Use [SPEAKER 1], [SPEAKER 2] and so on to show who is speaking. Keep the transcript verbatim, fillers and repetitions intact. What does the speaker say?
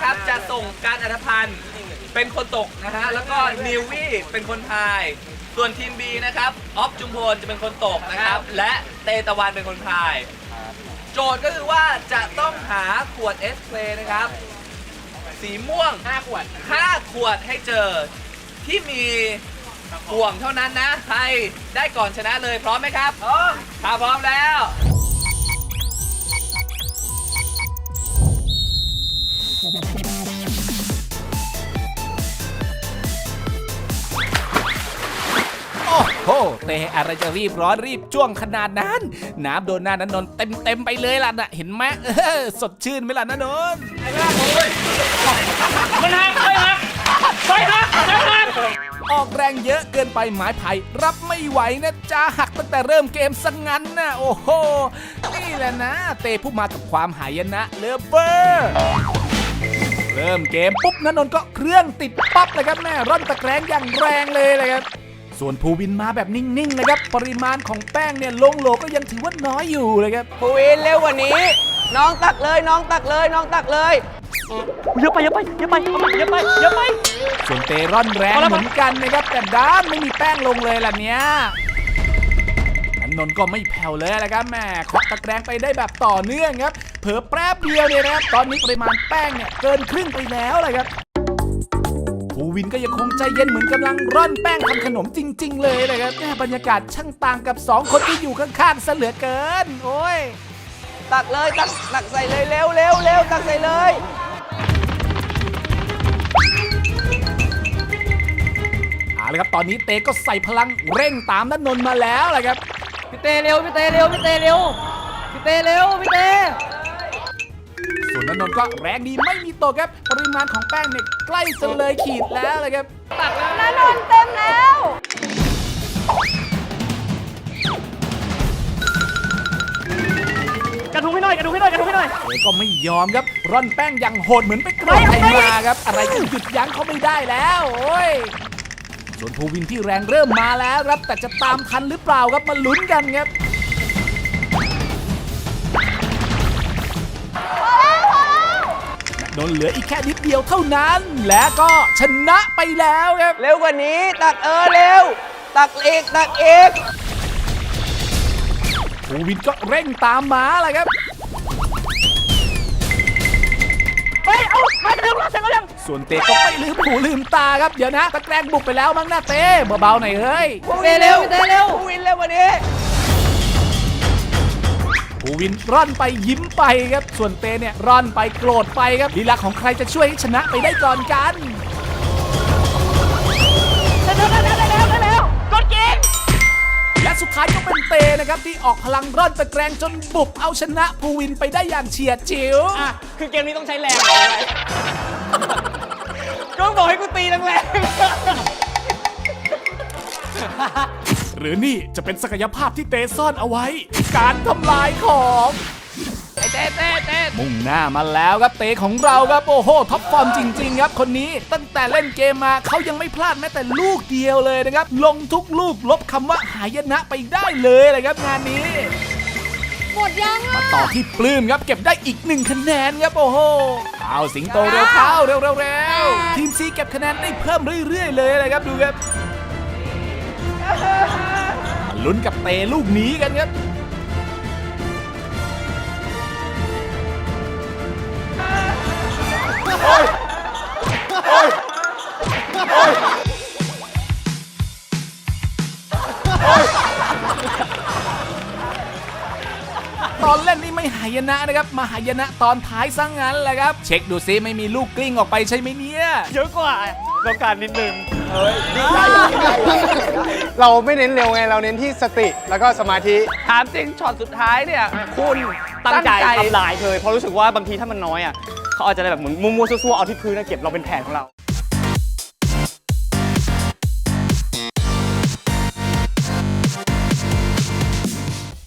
[SPEAKER 1] นะครับจะส่งการอัธพันธ์เป็นคนตกนะฮะแล้วก็นิววี่เป็นคนพายส่วนทีม B นะครับออฟจุมพลจะเป็นคนตกนะครับและเตตะวันเป็นคนพายโจทย์ก็คือว่าจะต้องหาขวดเอสเพลนะครับสีม่วงห้าขวดห้าขวดให้เจอที่มีห่วงเท่านั้นนะใครได้ก่อนชนะเลยพร้อมไหมครับพร้อมถ้าพร้อมแล้ว
[SPEAKER 2] โอ้โหเตะอะไรจะรีบร้อนรีบจ้วงขนาดนั้นน้ำโดนหน้านันนนเต็มเต็มไปเลยล่ะนะเห็นไหมเออสดชื่นไหมล่ะนันนนมันหักไปหักไปหักไปหักออกแรงเยอะเกินไปไม้ไผ่รับไม่ไหวนะจ้าหักตั้งแต่เริ่มเกมสังงั้นนะโอ้โหนี่แหละนะเตะผู้มากับความหายนะเลิฟเวอร์เริ่มเกมปุ๊บนันนนก็เครื่องติดปั๊บเลยครับแม่ร่อนตะแกรงอย่างแรงเลยเลยครับส่วนภูวินมาแบบนิ่งๆนะครับปริมาณของแป้งเนี่ยลงโหลก็ยังถือว่าน้อยอยู่เลยครับ
[SPEAKER 3] ภูวินเร็วกว่านี้น้องตักเลยน้องตักเลยน้องตักเลยเยอะไปเยอะไปเยอะไปเยอะไปเยอะไป
[SPEAKER 2] ส่วนเตร่อนแรงเหมือนกันนะครับแต่ด้านไม่มีแป้งลงเลยล่ะเนี้ยนันนนก็ไม่แผ่วเลยแหละครับแม่เคาะตะแกรงไปได้แบบต่อเนื่องครับเผลอแป๊บเดียวเนี่ยนะครับตอนนี้ปริมาณแป้งเนี่ยเกินครึ่งไปแล้วเลยครับภูวินก็ยังคงใจเย็นเหมือนกำลังร่อนแป้งทำขนมจริงๆเลยเลยครับแม่บรรยากาศช่างต่างกับสองคนที่อยู่ข้างๆซะเหลือเกินโอ้ย
[SPEAKER 3] ตักเลยตักตักใส่เลยเร็วเร็วเร็วตักใส่เลย
[SPEAKER 2] เอาละครับตอนนี้เตก็ใส่พลังเร่งตามนันนนมาแล้วเลยครับ
[SPEAKER 4] พี่เตเร็วพี่เตเร็วพี่เตเร็วพี่เตเร็วพี่เต
[SPEAKER 2] ส่วนนันนนก็แรงดีไม่มีตกครับปริมาณของแป้งเนี่ยใกล้จะเลยขีดแล้วเลยครับตักแล้ว
[SPEAKER 4] นันนนเต็มแล้วกระทุ้งให้หน่อยกระทุ้งให้หน่อยกระทุ้งให้หน่อย
[SPEAKER 2] เตก็ไม่ยอมครับร่อนแป้งอย่างโหดเหมือนไปกระโดดใครมาครับอะไรก็หยุดยั้งเขาไม่ได้แล้วโอ้ยส่วนภูวินที่แรงเริ่มมาแล้วครับแต่จะตามทันหรือเปล่าครับมาลุ้นกันครับโดนเหลืออีกแค่นิดเดียวเท่านั้นและก็ชนะไปแล้วครับ
[SPEAKER 3] เร็วกว่านี้ตักเออเร็วตักอีกตักอีก
[SPEAKER 2] ภูวินก็เร่งตามมาเลยครับ
[SPEAKER 4] เฮ้ยเอามาเร็วเราเสร็จแล้วยัง
[SPEAKER 2] ส่วนเตก็ไม่ลืมหูลืมตาครับเดี๋ยวนะตะแกรงบุกไปแล้วมั้งนะเต้เบาๆหน่อยเฮ้ย
[SPEAKER 3] เตเร็วเตเร็วภูวินเร็วกว่านี้
[SPEAKER 2] ภูวินร่อนไปยิ้มไปครับส่วนเตเนี่ยร่อนไปโกรธไปครับลีลาของใครจะช่วยให้ชนะไปได้ก่อนกัน
[SPEAKER 4] เร็วเร็วเร็วเร็วเร็วเร็วกดกิน
[SPEAKER 2] และสุดท้ายก็เป็นเตนะครับที่ออกพลังร่อนตะแกรงจนบุกเอาชนะภูวินไปได้อย่างเฉียดฉิว
[SPEAKER 3] อ่ะคือเกมนี้ต้องใช้แรงก็บอกให้กูตีแรง
[SPEAKER 2] หรือนี่จะเป็นศักยภาพที่เตซ่อนเอาไว้การทำลายของ
[SPEAKER 3] ไอ้เต้เต้เต้
[SPEAKER 2] มุ่งหน้ามาแล้วครับเตของเราครับโอ้โหท็อปฟอร์มจริงๆครับคนนี้ตั้งแต่เล่นเกมมาเขายังไม่พลาดแม้แต่ลูกเดียวเลยนะครับลงทุกลูกลบคำว่าหายนะไปได้เลยเลยครับงานนี้
[SPEAKER 4] หมดยัง
[SPEAKER 2] มาต่อที่ปลื้มครับเก็บได้อีกหนึ่งคะแนนครับโอ้โหเอาสิงโตเร็วเข้าเร็วเร็วเร็วทีมซีเก็บคะแนนได้เพิ่มเรื่อยๆเลยเลยครับดูครับลุ้นกับเตลูกนี้กันครับตอนเล่นนี่ไม่หายนะนะครับมาหายนะตอนท้ายซะงั้นแหละครับเช็คดูซิไม่มีลูกกลิ้งออกไปใช่ไหมเนี่ย
[SPEAKER 3] เยอะกว่าต้องการนิดนึง
[SPEAKER 5] เฮ้ยเราไม่เน้นเร็วไงเราเน้นที่สติแล้วก็สมาธิ
[SPEAKER 3] ถามจริงช็อตสุดท้ายเนี่ยคุณตั้งใจทำลายเลยเพราะรู้สึกว่าบางทีถ้ามันน้อยอ่ะเขาอาจจะได้แบบเหมือนมัวๆซั่วๆเอาที่พื้นเก็บเราเป็นแผนของเรา